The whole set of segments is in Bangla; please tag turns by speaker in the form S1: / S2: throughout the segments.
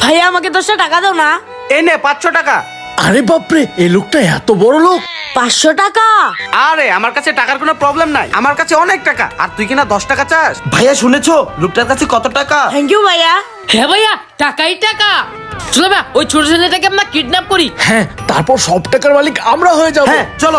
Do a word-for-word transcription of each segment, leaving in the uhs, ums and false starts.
S1: ভাইয়া আমাকে দশটা টাকা দাও না।
S2: এই নে পাঁচশো টাকা।
S3: আরে বাপরে, এই লোকটা এত বড় লোক।
S1: পাঁচশো টাকা?
S2: আরে আমার কাছে টাকার কোনো প্রবলেম নাই, আমার কাছে অনেক টাকা, আর তুই কিনা দশ টাকা চাস? ভাইয়া শুনেছো লোকটার কাছে কত টাকা?
S1: থ্যাংক ইউ ভাইয়া।
S4: হ্যাঁ ভাইয়া, টাকাই টাকা। চলো ভাই ওই ছোট ছেলেটাকে আমরা কিডন্যাপ করি।
S3: হ্যাঁ, তারপর সব টাকার মালিক আমরা হয়ে যাব।
S2: হ্যাঁ চলো।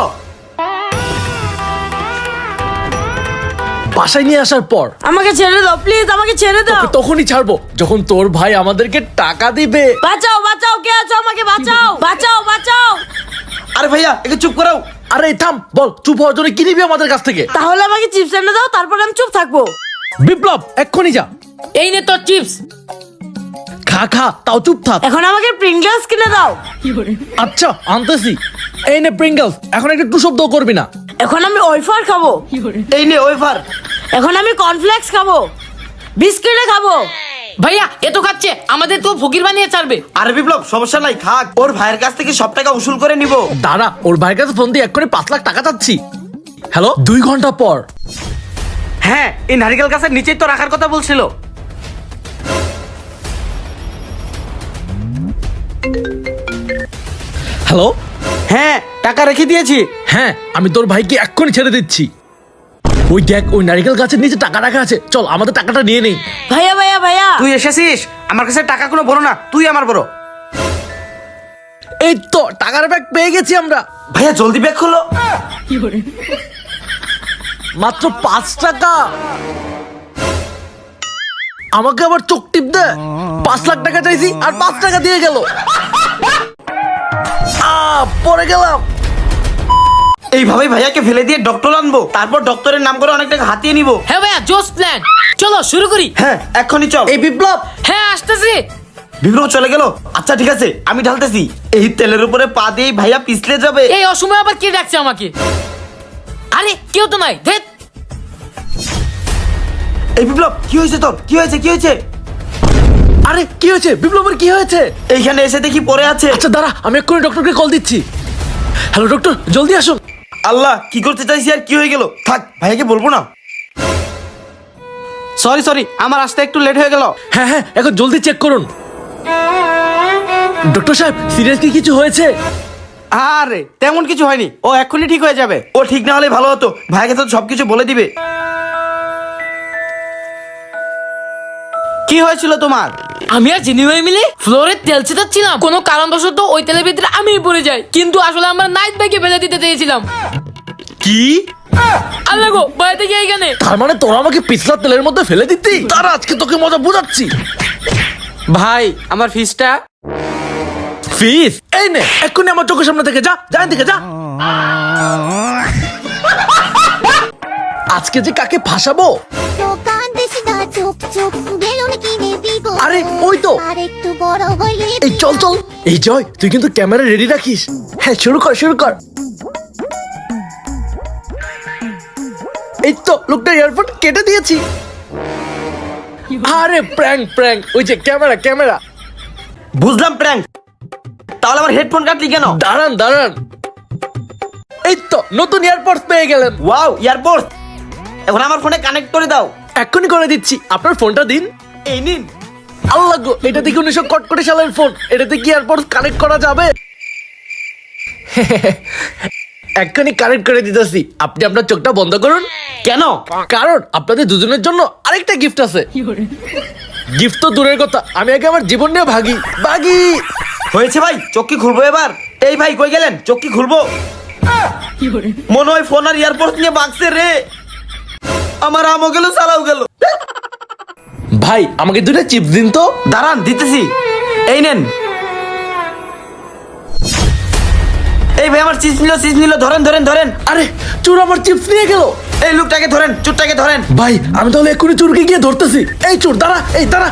S3: বাসায় নিয়ে আসার পর
S1: আমাকে ছেড়ে দাও প্লিজ, আমাকে ছেড়ে দাও।
S3: তোকে তখনই ছাড়বো যখন তোর ভাই আমাদেরকে টাকা দিবে।
S1: বাঁচাও বাঁচাও, কে আছো? আমাকে বাঁচাও বাঁচাও বাঁচাও।
S2: আরে ভাইয়া একটু চুপ করাও।
S3: আরে থাম, বল চুপ হওয়ার জন্য কি নিবি আমাদের কাছ থেকে?
S1: তাহলে আমাকে চিপস এনে দাও, তারপর আমি চুপ থাকবো।
S3: বিপ্লব এক্ষুনি যা।
S4: এই নে তোর চিপস।
S3: খা খা, তাও চুপ থাক।
S1: এখন আমাকে প্রিঙ্গলস কিনে দাও।
S3: আচ্ছা আনতেছি। এই নে প্রিঙ্গলস, এখন একটু টু শব্দ করবি না।
S1: এখন আমি ওয়েফার খাবো।
S2: এই নে ওয়েফার।
S1: এখন আমি কর্নফ্লেক্স খাবো, বিস্কিটে খাবো।
S4: ভাইয়া এ তো খাচ্ছে, আমাদের তো ফকির বানিয়ে ছাড়বে।
S2: আরে বিপ্লব সমস্যা নাই, থাক, ওর ভাইয়ের কাছ থেকে সব টাকা উসুল করে নিব।
S3: দাঁড়া, ওর ভাইয়ের কাছে ফোন দিয়ে এক্ষুনি পাঁচ লাখ টাকা চাচ্ছি। হ্যালো, দুই ঘন্টা পর।
S2: হ্যাঁ এই নারিকেল গাছের নিচেই তো রাখার কথা বলছিল।
S3: হ্যালো।
S2: হ্যাঁ টাকা রেখে দিয়েছি।
S3: হ্যাঁ, আমি তোর ভাইকে এক্ষুনি ছেড়ে দিচ্ছি। ওই দেখ, ওই নারকেল গাছের নিচে টাকা রাখা আছে, চল আমাদের টাকাটা নিয়ে নেই।
S1: ভাইয়া ভাইয়া ভাইয়া,
S2: তুই এসেছিস, আমার কাছে টাকা কোনো বড় না, তুই আমার বড়।
S3: এই তো টাকার ব্যাগ পেয়ে গেছি আমরা।
S2: ভাইয়া জলদি ব্যাগ খোলো।
S3: মাত্র পাঁচ টাকা। আমাকে আবার চোখ টিপ দে। পাঁচ লাখ টাকা চাইছি আর পাঁচ টাকা দিয়ে গেল। আ পড়ে গেলাম।
S2: এইভাবে ভাইয়াকে ফেলে দিয়ে ডক্টর আনবো, তারপর ডক্টরের নাম করে অনেক টাকা হাতিয়ে নিব।
S4: হ্যাঁ ভাইয়া জোস প্ল্যান, চলো শুরু করি।
S2: হ্যাঁ এক্ষুনি চল। এই বিপ্লব।
S4: হ্যাঁ আসতেছি।
S2: বিপ্লব চলে গেল। আচ্ছা ঠিক আছে, আমি ঢালতেছি। এই তেলের উপরে পা দিয়ে ভাইয়া পিছলে যাবে।
S4: এই অসময়ে আবার কে ডাকছে আমাকে? আরে কেউ তো নাই। ধেৎ।
S2: এই বিপ্লব কি হয়েছে তোর? কি হয়েছে কি হয়েছে?
S3: আরে কি হয়েছে? বিপ্লবের কি হয়েছে?
S2: এইখানে এসে দেখি পড়ে আছে।
S3: আচ্ছা দাঁড়া, আমি এক্ষুনি ডক্টরকে কল দিচ্ছি। হ্যালো ডক্টর, জলদি আসুন।
S2: আল্লাহ, কি করতে চাইছি আর কি হয়ে গেল? থাক, ভাইয়াকে বলবো না। সরি সরি, আমার আসতে একটু লেট হয়ে গেল।
S3: হ্যাঁ হ্যাঁ, এখন জলদি চেক করুন। ডক্টর সাহেব, সিরিয়াস কি কিছু হয়েছে?
S2: আরে তেমন কিছু হয়নি, ও এক্ষুনি ঠিক হয়ে যাবে। ও ঠিক না হলে ভালো হতো, ভাইকে তো সবকিছু বলে দিবে। কি হয়েছিল তোমার?
S4: আমি আর জিনি ভাই মিলে ফ্লোরের তেল ছিটাচ্ছিলাম, কোনো কারণবশত ওই তেলের ভিতরে আমি পড়ে যাই, কিন্তু আসলে আমরা নাইট ভাইকে ফেলে দিতে চেয়েছিলাম।
S3: কি?
S4: আল্লাহ গো, বাইরে থেকে এইখানে।
S3: তার মানে তোরা আমাকে পিছলা তেলের মধ্যে ফেলে দিতি? তারা আজকে তোকে মজা বুঝাচ্ছি।
S2: ভাই আমার ফিসটা।
S3: ফিস? এই নে, এক্ষুনি আমার চোখের সামনে থেকে যা, যা এদিকে যা। আজকে যে কাকে ফাঁসাবো। আরে ওই তো। এই চল চল। এই জয়, তুই কিন্তু ক্যামেরা রেডি রাখিস। হ্যাঁ শুরু কর শুরু কর। এই তো লোকটা এয়ারপোর্ট কেটে দিয়েছি। আরে প্র্যাঙ্ক প্র্যাঙ্ক, ওই যে ক্যামেরা ক্যামেরা।
S2: বুঝলাম প্র্যাঙ্ক, তাহলে আমার হেডফোন কাটলি কেন?
S3: দাঁড়ান দাঁড়ান। এই তো নতুন এয়ারপোর্ট পেয়ে গেলেন।
S2: ওয়াও এয়ারপোর্ট, এখন আমার ফোনে কানেক্ট করে দাও।
S3: এক্ষুনি করে দিচ্ছি, আপনার ফোনটা দিন।
S2: এই নিন।
S3: আল্লাহ গো, এটা দেখি উনিশশো কটকটি সালের ফোন, এটাতে কি এয়ারপোর্ট কানেক্ট করা যাবে? এক্ষুনি কানেক্ট করে দিতেছি, আপনি আপনার চোখটা বন্ধ করুন।
S2: কেন?
S3: কারণ আপনাদের দুজনের জন্য আরেকটা গিফট আছে। গিফট তো দূরের কথা, আমি আগে আমার জীবন নিয়ে ভাগি ভাগি।
S2: হয়েছে ভাই, চোখ কি খুলবো এবার? এই ভাই কই গেলেন? চোখ কি খুলবো? মনে হয় ফোন আর এয়ারপোর্ট নিয়ে বাগছে রে। আমার আমও গেল, চালাও গেল।
S3: ভাই আমাকে দুটো চিপস দিন তো।
S2: দাঁড়ান দিতেছি, এই নেন। এই ভাই আমার চিপস নিল, চিপস নিল, ধরেন ধরেন ধরেন।
S3: আরে চোর আমার চিপস নিয়ে গেল।
S2: এই লোকটাকে ধরেন, চোরটাকে ধরেন।
S3: ভাই আমি তাহলে এক্ষুনি চোরকে গিয়ে ধরতেছি। এই চোর দাঁড়া, এই দাঁড়া।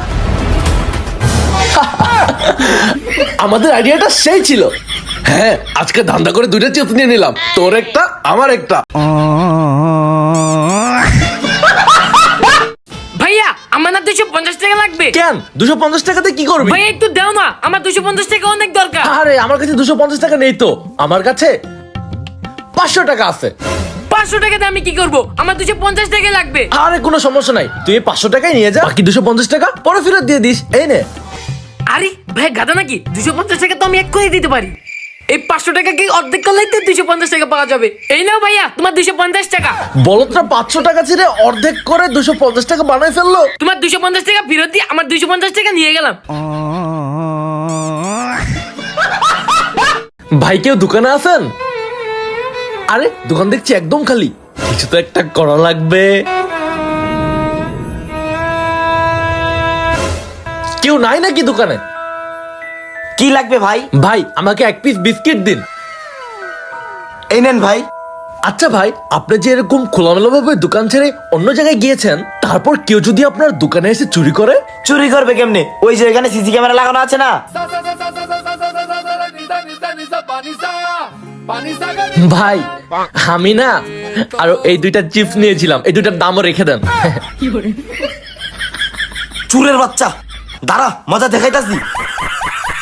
S3: আমাদের আইডিয়াটা সেই ছিল। হ্যাঁ, আজকে ধান্দা করে দুইটা চিপস নিয়ে নিলাম, তোর একটা আমার একটা।
S4: ভাইয়া আমার না দুইশো পঞ্চাশ টাকা লাগবে।
S3: কেন দুশো পঞ্চাশ টাকাতে কি করবি?
S4: ভাইয়া একটু দাও না, আমার দুইশো পঞ্চাশ টাকা অনেক দরকার।
S3: আরে আমার কাছে দুশো পঞ্চাশ টাকা নেই তো, আমার কাছে পাঁচশো টাকা আছে।
S4: পাঁচশো টাকাতে আমি কি করবো? আমার দুইশো পঞ্চাশ টাকা লাগবে।
S3: আরে কোনো সমস্যা নাই, তুই এই পাঁচশো টাকায় নিয়ে যা, বাকি দুশো পঞ্চাশ টাকা পরে ফেরত দিয়ে দিস। এই নে।
S4: আরে ভাই গাদা নাকি? দুশো পঞ্চাশ টাকা তো আমি এক করে দিতে পারি। এই পাঁচশো টাকা কি অর্ধেক করলেই তো দুশো পঞ্চাশ টাকা পাওয়া যাবে। এই নাও ভাইয়া তোমার দুশো পঞ্চাশ টাকা।
S3: বলদটা পাঁচশো টাকা ছেড়ে অর্ধেক করে দুশো পঞ্চাশ টাকা বানাই ফেললো।
S4: তোমার দুশো পঞ্চাশ টাকা ফেরত দিয়ে আমার দুশো পঞ্চাশ টাকা নিয়ে গেলাম।
S3: ভাই কেউ দোকানে আছেন? আরে দোকান দেখছি একদম খালি, কিছু তো একটা করা লাগবে। কেউ নাই নাকি দোকানে?
S2: কি লাগবে ভাই?
S3: ভাই আমাকে এক পিস বিস্কিট দিন।
S2: এই নেন ভাই।
S3: আচ্ছা ভাই, আপনি যে এরকম খোলামেলা ভাবে দোকান ছেড়ে অন্য জায়গায় গিয়েছেন, তারপর কেউ যদি আপনার দোকানে এসে চুরি করে?
S2: চুরি করবে কেমনে? ওই যে এখানে সিসি ক্যামেরা লাগানো আছে না।
S3: ভাই আমি না আর এই দুইটা চিপস নিয়েছিলাম, এই দুইটার দামও রেখে দেন।
S2: চুরের বাচ্চা, দাঁড়া মজা দেখাইতাছি।